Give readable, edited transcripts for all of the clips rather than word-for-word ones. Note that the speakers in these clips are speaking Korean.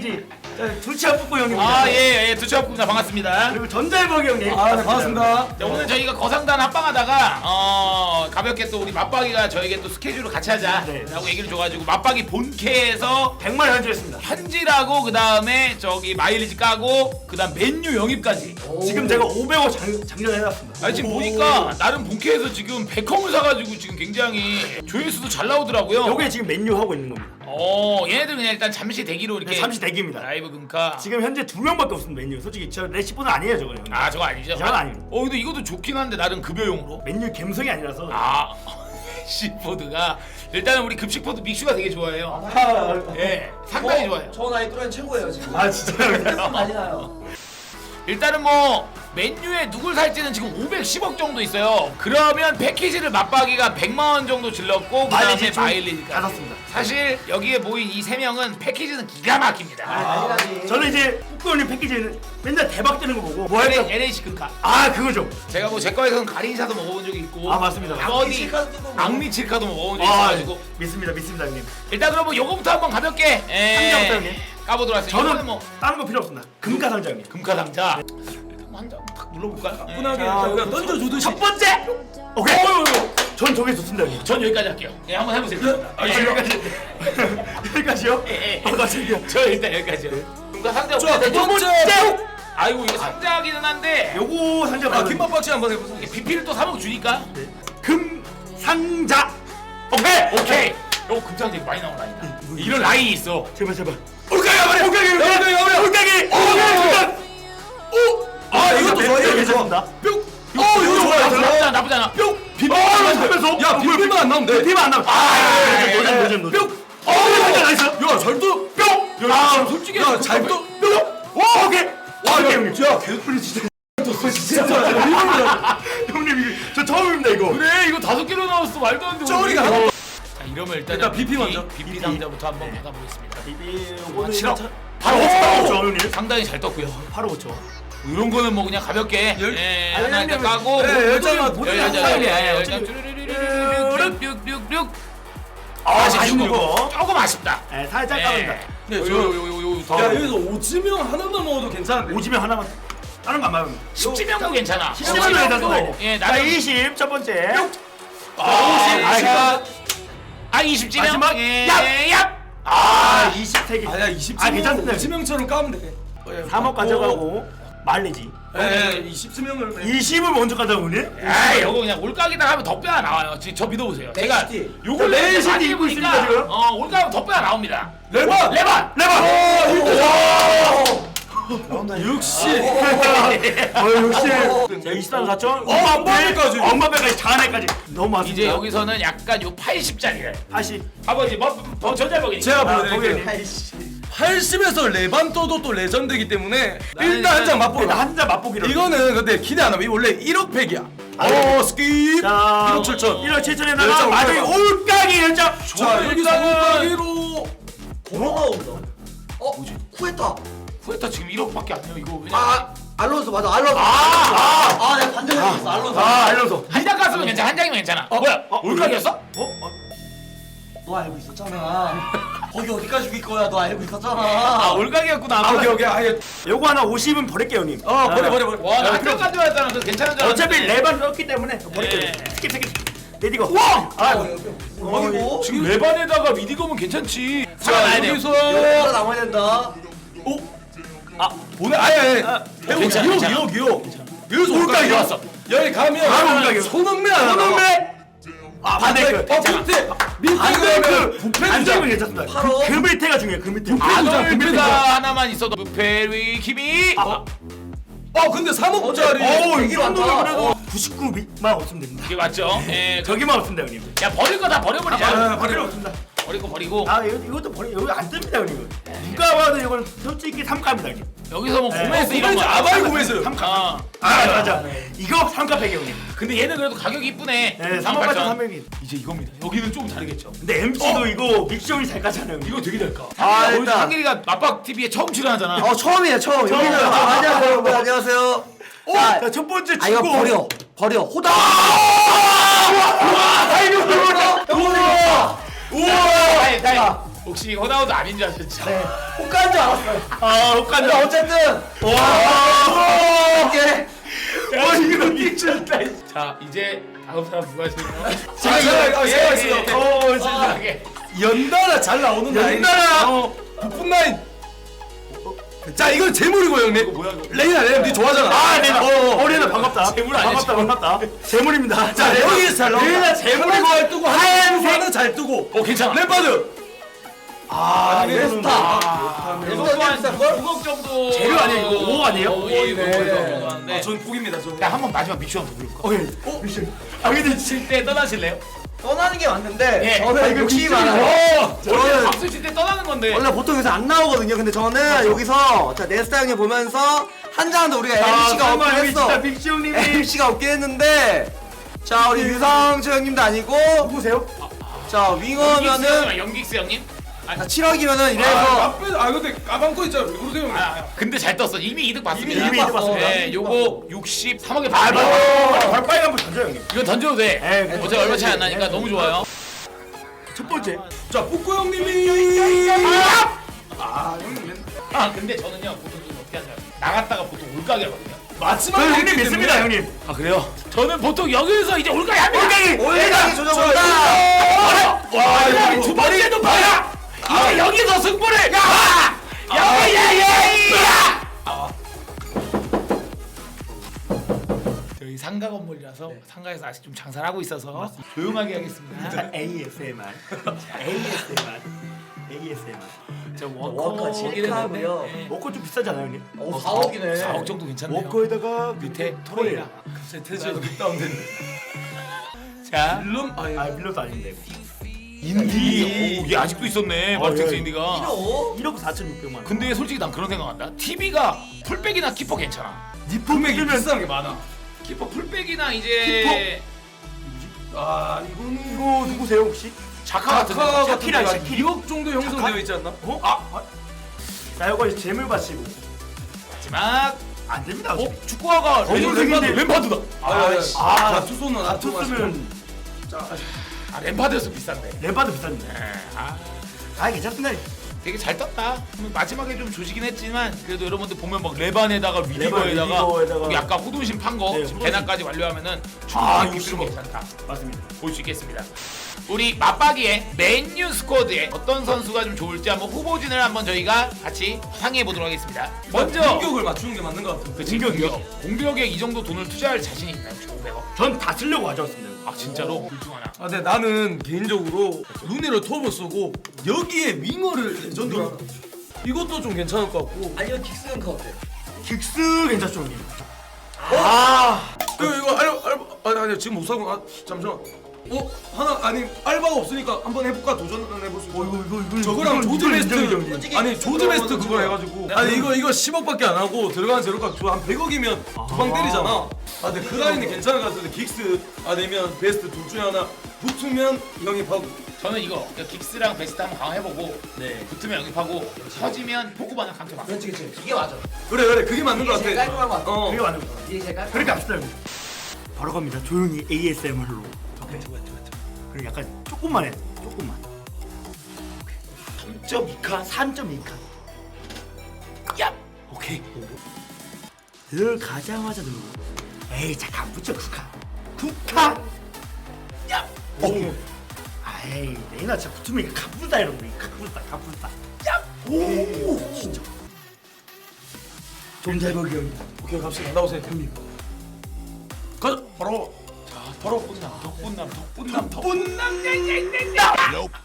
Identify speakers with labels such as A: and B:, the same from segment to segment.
A: 패키지 두치아 뿌꾸 형님입니다.
B: 아, 예, 두치아프입니다. 반갑습니다.
A: 그리고 전달복이 형님.
C: 네, 반갑습니다.
B: 자, 오늘 저희가 거상단 합방하다가 가볍게 또 우리 맞박이가 저에게 또 스케줄을 같이 하자라고
A: 네.
B: 얘기를 줘가지고 맞박이 본캐에서
A: 100만 현질했습니다.
B: 현질하고 그 다음에 저기 마일리지 까고 그 다음 맨유 영입까지.
A: 지금 제가 500억 장전해놨습니다.
B: 아, 지금 보니까 나름 본캐에서 지금 백컴을 사가지고 지금 굉장히 조회수도 잘 나오더라고요.
A: 요게 지금 맨유 하고 있는 겁니다.
B: 얘네들 그냥 일단 잠시 대기로 이렇게
A: 네, 잠시 대기입니다.
B: 라이브 금카.
A: 지금 현재 2명밖에 없습니다. 맨유. 솔직히 저 레시포는 아니에요 저거 형님.
B: 아, 저거 아니죠?
A: 저건 아닙니다.
B: 근데 이것도 좋긴 한데 나름 급여용으로.
A: 맨유 감성이 아니라서.
B: 시포드가 일단은 우리 급식포드 믹슈가 되게 좋아해요. 예, 상당히 좋아요.
C: 저 나이 또래 최고예요 지금.
A: 아 진짜요?
C: 많이 나요.
B: 일단은 뭐 맨유에 누굴 살지는 지금 510억 정도 있어요. 그러면 패키지를 맞박이가 100만 원 정도 질렀고 그다음에 마일리지가
A: 받았습니다.
B: 사실 여기에 모인 이 세 명은 패키지는 기가 막힙니다.
A: 저는 이제 뿌꾸 형님 패키지는 맨날 대박 되는 거 보고 뭐 할까?
B: LH 금카.
A: 아 그거죠.
B: 제가 뭐 제 거에서는 가린샤도 먹어본 적이 있고
A: 아, 맞습니다.
B: 써니 악리칠카도 먹어본 적이 있어가지고
A: 믿습니다 형님.
B: 일단 그러면 요거부터 한번 가볍게
A: 상자부터 형님.
B: 까보도록 하겠습니다.
A: 저는
B: 이거는 뭐
A: 다른 거 필요 없습니다. 금가 상자 형님.
B: 금카 상자 일단 한 장 탁 눌러볼까요?
C: 분하게
A: 자,
C: 그냥 던져주듯이.
A: 첫 번째. 오케이. 전 저게 좋습니다 형님.
B: 전 여기까지 할게요. 예, 한번 해보세요.
A: 아, 여기까지. 여기까지요?
B: 예.
A: 갑자기요.
B: 저 일단 여기까지요. 금카 상자
C: 자, 두
B: 보세요.
C: 번째.
B: 아이고 이거 상자기는 한데
A: 요거 상자
C: 아,
A: 받은
C: 김밥 박씨 한번 해보세요.
B: BP를 또 3억 주니까
A: 금 상자.
B: 오케이. 요거 금상자 많이 나오나니까. 이런 라인이 있어.
A: 제발.
B: 올까요?
A: 올가기.
C: 아, 이것도 좋아요.
A: 괜찮습니다.
C: 뿅. 이거 좋아요.
B: 나쁘지 않아.
C: 뿅.
A: 하면서
C: 야, 비빔만 안 나오면 돼.
A: 비빔 안 나와. 노잼.
C: 뿅.
A: 나이스.
C: 야, 잘도.
A: 뿅.
B: 아, 솔직히
C: 야, 잘도.
A: 뿅. 와, 오케이. 와, 형님.
C: 야, 개소리 진짜.
A: 형님 이거 저 처음입니다 이거.
B: 그래 이거 5개로 나왔어. 말도 안 돼.
C: 쩌리가
B: 오늘.
C: 하나.
B: 자, 이러면
C: 일단 BP 먼저.
B: BP 상자부터 한번 받아보겠습니다.
A: 비빔
B: 싫어.
A: 바로 5초 형님.
B: 상당히 잘 떴고요.
A: 바로 5초.
B: 이런 거는 뭐 그냥 가볍게 하나 일단 까고
C: 열장만 보내면
B: 열장
A: 어차피-
B: 쭉
A: 아쉽네 이거.
B: 조금 아쉽다.
A: 네, 살짝 까는다.
C: 네,
B: 요
C: 여기서 오지명 하나만 먹어도 괜찮은데.
A: 오지면 하나만. 다른 거 안 맞으면.
B: 10지명도 괜찮아.
A: 10지명도 괜찮아.
B: 예,
A: 자,
B: 나는
A: 20 첫 번째.
B: 20지명.
A: 마지막.
B: 예,
A: 얍! 아, 23개.
C: 아니야, 20명.
A: 아, 괜찮습니다.
C: 오지명처럼 까면 돼.
A: 3억 가져가고 말리지.
C: 예, 20명을.
A: 20을 먼저 가져오네.
B: 아, 요거 그냥 올가기다 하면 덧배가 나와요. 저 믿어보세요. 제가 요걸
A: 레이시티
B: 많이
A: 입고
B: 해보니까
A: 있습니다, 지금.
B: 올가 하면 덧배가 나옵니다.
C: 레반.
B: 레반.
C: 역시.
A: 역시. 자, 23 4천.
C: 엄마배까지.
A: 엄마배까지 자네까지. 너무 많습니다.
B: 이제 여기서는 약간 요 80짜리를
A: 80.
B: 아버지 뭐 전자먹이니까
C: 제가
A: 아,
C: 보여드릴게요.
A: 거기
C: 80에서 레반 떠도 또 레전드이기 때문에 일단 한 장 맛보라.
A: 한잔 맛보기로.
C: 이거는 근데 기대 안 하면 원래 1억 팩이야. 스킵.
A: 자,
C: 1억 7천.
A: 1억 7천에다가
C: 열장
A: 마지막에
C: 올라가.
A: 올가기 열장.
C: 자, 여기서 올가기로.
D: 번호가 온다. 뭐지? 쿠에타.
B: 후에타 지금 1억밖에 안 돼요. 이거 왜냐
D: 알론소 맞아. 알론소. 내가 반대로 했어. 알론소.
A: 알려서.
B: 한 장 깠으면 괜찮아. 한 장이면 괜찮아. 뭐야? 올가기였어?
D: 너 알고 있었잖아. 거기 어디까지 죽일 거야? 너 알고 있었잖아.
B: 올가기였구나.
C: 오케이. 아예.
A: 요거 하나 50은 버릴게요, 형님.
C: 버려.
B: 와, 나한장 가져왔잖아. 그래서 괜찮은 줄 알았는데.
A: 어차피 레반 넣었기 때문에 버릴게요.
B: 예.
A: 스킵. 레디고. 와!
D: 그리고
B: 지금 레반에다가 미디검은 괜찮지.
C: 자,
D: 여기서
C: 여기서
D: 남아야 된다.
C: 보내. 아예.
B: 괜찮아, 괜찮아.
C: 2억. 여기서
A: 올가기
C: 올가기. 여기 가면
A: 바로 올가기.
C: 손흥민 안 하나?
A: 손흥민. 바데크.
C: 밑에. 밑에
A: 바데크.
C: 가면 부패
A: 안정은 괜찮습니다.
D: 바로.
A: 그 밑에가 중요해요. 그 밑에.
B: 아놀드가 하나만 있어도 무페리 키미.
C: 근데 3억짜리.
A: 이 정도면 그래도 99만 없으면 됩니다.
B: 이게 맞죠? 예.
A: 저기만 없습니다, 형님.
B: 야, 버릴 거 다 버려버리자.
A: 버릴 거 없습니다.
B: 버리고 버리고.
A: 이것도 버리. 여기 안 뜹니다, 형님. 누가 봐도 이건 솔직히 3갑니다, 형님.
B: 여기서 뭐 고메스 이런 거.
C: 아바이 고메스.
A: 3갑.
B: 아.
A: 맞아. 이거 3갑 팩이 형님.
B: 근데 얘는 그래도 가격이 이쁘네.
A: 네, 3만 8천 300이.
B: 이제 이겁니다. 여기는 좀 다르겠죠.
A: 근데 MC도 이거 믹션이 잘 까잖아요.
B: 이거 되게 잘까.
D: 일단.
B: 오늘 상길이가 맞박 TV에 처음 출연하잖아.
D: 처음이에요. 처음. 여기는 안녕하세요, 여러분. 안녕하세요.
A: 자, 첫 번째
D: 이거
A: 주고.
D: 버려. 호다.
A: 아이고,
D: 우와.
B: 우와. 다행. 혹시 호나우도 아닌 줄 아셨죠?
D: 네. 혹가인 줄 알았어요.
A: 아
D: 근데
A: 옷간다.
D: 어쨌든
A: 와.
D: 이게
A: 이거 미쳤다.
B: 자 이제 다음 사람 누가 하시나요?
C: 제가 있어요.
B: 진짜게.
C: 연달아 잘 나오는 라인.
A: 연달아.
C: 부푼 라인. 자 이건 재물이고 형님.
B: 뭐야 이거?
C: 레이나 니 좋아하잖아.
A: 아 레나. 레나 반갑다.
B: 재물 아니야,
A: 반갑다. 재물입니다.
C: 자 여기서 잘 나온다.
A: 레이나 재물이고
C: 잘 뜨고 하얀색은 잘 뜨고.
B: 괜찮아.
C: 램파드.
A: 아
D: 레스타.
B: 이거 또한 9억 정도.
A: 재료 아니에요, 이거? 5억 아니에요?
B: 5억 정도 하는데.
C: 전 북입니다. 저.
B: 야 한번 마지막 미션 한번 부를까?
A: 오케이. 아 근데
B: 칠 때 떠나실래요?
D: 떠나는 게 맞는데
B: 예.
D: 저는 욕심이 많아요.
B: 원래
D: 저는
B: 박수 칠 때 떠나는 건데.
D: 원래 보통 여기서 안 나오거든요. 근데 저는 여기서 자 네스타 형님 보면서 한 장도 우리가 MC가 없긴 했어.
A: 진짜 빅시 형님이
D: MC가 없긴 했는데 자 우리 유성철 형님도 아니고
A: 누구세요?
D: 자 윙어면은
B: 연기스 형님?
D: 자 7억이면은 이래서
C: 근데 까방거 있잖아. 왜 그러세요?
B: 근데 잘 떴어. 이미 이득 봤습니다.
A: 이미 이득 봤습니다.
B: 네, 요거 63억에
A: 아
B: 팔.
A: 발빠이 한번 던져 형님.
B: 이거 던져도 돼.
A: 에이,
B: 어차피 얼마 차이 안 나니까 너무 좋아요.
A: 첫 번째.
C: 자 북구 형님이.
B: 아 근데 저는요 보통 좀 어떻게 하냐면 나갔다가 보통 올가게 하거든요.
C: 마지막
A: 저 형님
C: 했기
A: 믿습니다
C: 때문에.
A: 형님.
B: 아 그래요? 저는 보통 여기서 이제 올가게 합니다.
D: 올가기 조정한다.
B: 와 이거 두 번째도 봐야. 이제 여기서 승부를. 야! 야야야야! 저희 상가 건물이라서 상가에서 아직 좀 장사를 하고 있어서 조용하게 하겠습니다.
A: ASMR. ASMR.
B: 저
D: 워커
B: 워커긴
D: 칠카고요.
B: 했는데
A: 워커 좀 비싸잖아요 형님.
D: 4억이네.
B: 4억 정도 괜찮네요.
A: 워커에다가
B: 밑에 토레이라.
C: 세트에서 다운됐네.
B: 자,
C: 룸
A: 아 밀려도 아닌데.
B: 인디. 오, 얘 아직도 있었네. 말텍스 인디가.
A: 1억 4,600만 원.
B: 근데 솔직히 난 그런 생각한다. TV가 풀백이나 키퍼 괜찮아.
C: 금액이
A: 그러면
C: 비싼 게 많아.
B: 키퍼 풀백이나 이제
C: 아 이거는
A: 이거 누구세요 혹시?
B: 자카 같은
C: 자카
B: 거.
C: 같은
A: 샤키라,
C: 데가
A: 샤키라.
C: 2억 정도 형성되어 있지 않나?
A: 자 이거 이제 재물 바치고
B: 마지막.
A: 안 됩니다. 어차피.
B: 축구화가
A: 레전드인데.
B: 램파드다.
C: 자 투소는
A: 아 투수면
B: 아 램파드였으면 비싼데.
A: 레바도 비싼데. 아 괜찮습니다.
B: 되게 잘 떴다. 마지막에 좀 조지긴 했지만 그래도 여러분들 보면 막 레반에다가 위디거에다가
A: 위디거에다가
B: 약간 호돈심 판 거
A: 네,
B: 지금
A: 호돈심.
B: 대낮까지 완료하면은
A: 아,
B: 충분히
A: 이거
B: 기술이 괜찮다.
A: 맞습니다.
B: 볼 수 있겠습니다. 우리 맞박이의 맨유 스쿼드에 어떤 선수가 좀 좋을지 한번 후보진을 한번 저희가 같이 상의해 보도록 하겠습니다. 먼저
C: 공격을 맞추는 게 맞는 것 같아.
B: 그치, 공격에 이 정도 돈을 투자할 자신이 있나요? 500억?
A: 전 다 쓰려고 가져왔습니다.
B: 아 진짜로? 둘 중 하나.
C: 아, 근데 나는 개인적으로 루네를 톱을 쓰고 여기에 윙어를 레전드로 하나. 이것도 좀 괜찮을 것 같고.
D: 아니면 킥스는 그 어때?
A: 긱스 괜찮죠 형님?
C: 이거 아니 지금 못 사고 잠시만. 하나 아니 알바가 없으니까 한번 해볼까 도전을 해볼 수 있어.
A: 이거
C: 저거랑 조드 베스트
D: 솔직히
C: 아니 조드 베스트 그거
D: 그거는
C: 해가지고 아니 이거 10억밖에 안 하고 들어가는 재료값 한 100억이면 두 방 때리잖아. 아 근데 그 라인이 괜찮을 것 같은데 긱스 아니면 베스트 둘 중에 하나 붙으면 영입하고.
B: 저는 이거 긱스랑 베스트 한번 강화해보고
A: 네.
B: 붙으면 영입하고 터지면 포그바나 강퇴 막.
D: 그렇지 이게 맞아.
C: 그래 그게 맞는 것
D: 이게 제일
C: 같아.
D: 깔끔한 것 같아.
A: 그게 맞는 거.
D: 이게 제일 깔끔한
A: 그렇게 합시다 형님. 바로 갑니다. 조용히 ASMR로. 오케이. 그리고 약간 조금만 해. 조금만. 3.2칸, 3.2칸. 야. 오케이. 들어가자마자 누르고. 에이 잠깐 붙여 9칸. 9칸. 야. 오. 아이 내가 진짜 붙으면 가쁘다 이러고 가쁘다. 야. 오. 진짜. 좀 잘 보기 형님.
C: 오케이 갑시다. 나오세요. 형님. 가자. 바로.
B: 바로 덕분남 냥냥냥냥.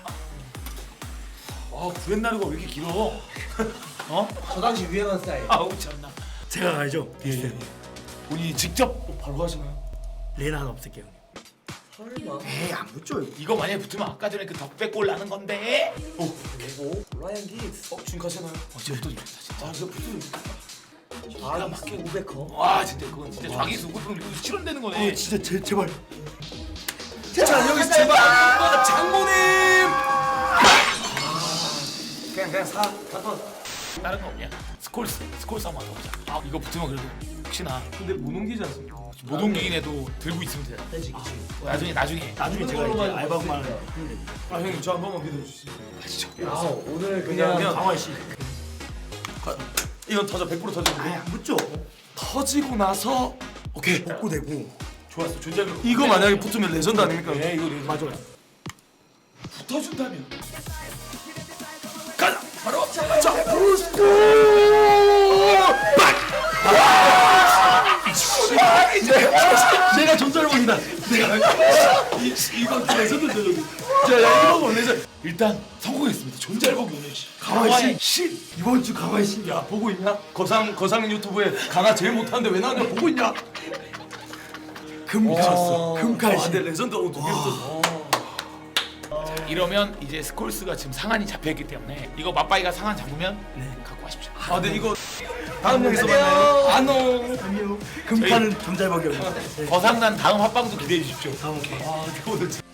B: 아 구렛나루가 왜 이렇게 길어? 어?
D: 저 당시 유행한 스타일.
B: 아우 참나.
A: 제가 가야죠.
B: 본인이 직접
C: 바로 가시나요?
A: 레나 하나 없앨게요 형님.
D: 설마.
A: 에이 안 붙죠 이거.
B: 이거 만약에 붙으면 아까 전에 그 덕배골 나는 건데.
D: 오 라이언 긱스.
C: 지금 가시나요?
B: 어제부터 좋다 진짜.
C: 아 이거 붙으면
D: 아 맞게 500커.
B: 와 진짜 그건 진짜 좌기수 그거 실현되는 거네.
A: 진짜 제발.
C: 자 여기 제발 장모님. 그냥 사.
B: 다른 거 없냐? 스콜스 한번 가보자. 이거 붙으면 그래도 혹시나
C: 근데 못 옮기지 않습니까?
B: 못 옮기긴 해도 들고 있으면 돼.
A: 되지 그치.
B: 나중에
A: 나중에 제가 이제 알바만 하면
C: 아 형님 저 한 번만 믿어주시죠.
B: 아시죠?
A: 오늘
C: 그냥
A: 강원 씨.
C: 이건 터져 100% 터져주고
A: 아예 안 붙죠.
C: 터지고 나서 오케이
A: 복구되고.
B: 좋았어. 존재감.
C: 이거 만약에 붙으면 레전드 아닙니까?
B: 네, 이거 맞아. 붙어준다면. 가자. 바로 자 브루스코. 이제
C: 내가 존재를 본다. 이건 레전드 레전드. 자 이거 레전드.
B: 일단 성공했습니다. 존잘복 오늘
C: 강화의
B: 신.
C: 이번 주 강화의 신. 야 보고 있냐? 거상 유튜브에 강화 제일 못하는데 왜 나왔냐 보고 있냐?
A: 금 미쳤어. 금칼 씨.
C: 근데 레전드 오늘 두개 붙었어.
B: 이러면 이제 스콜스가 지금 상한이 잡혀있기 때문에 이거 맞바이가 상한 잡으면 갖고 가십시오.
C: 아 근데 이거 다음 영에서 만나요. 안녕.
A: 금파는 존잘박이 없네.
B: 거상난 다음 합방도 기대해 주십시오.
A: 다음 오케이.
C: 아 오늘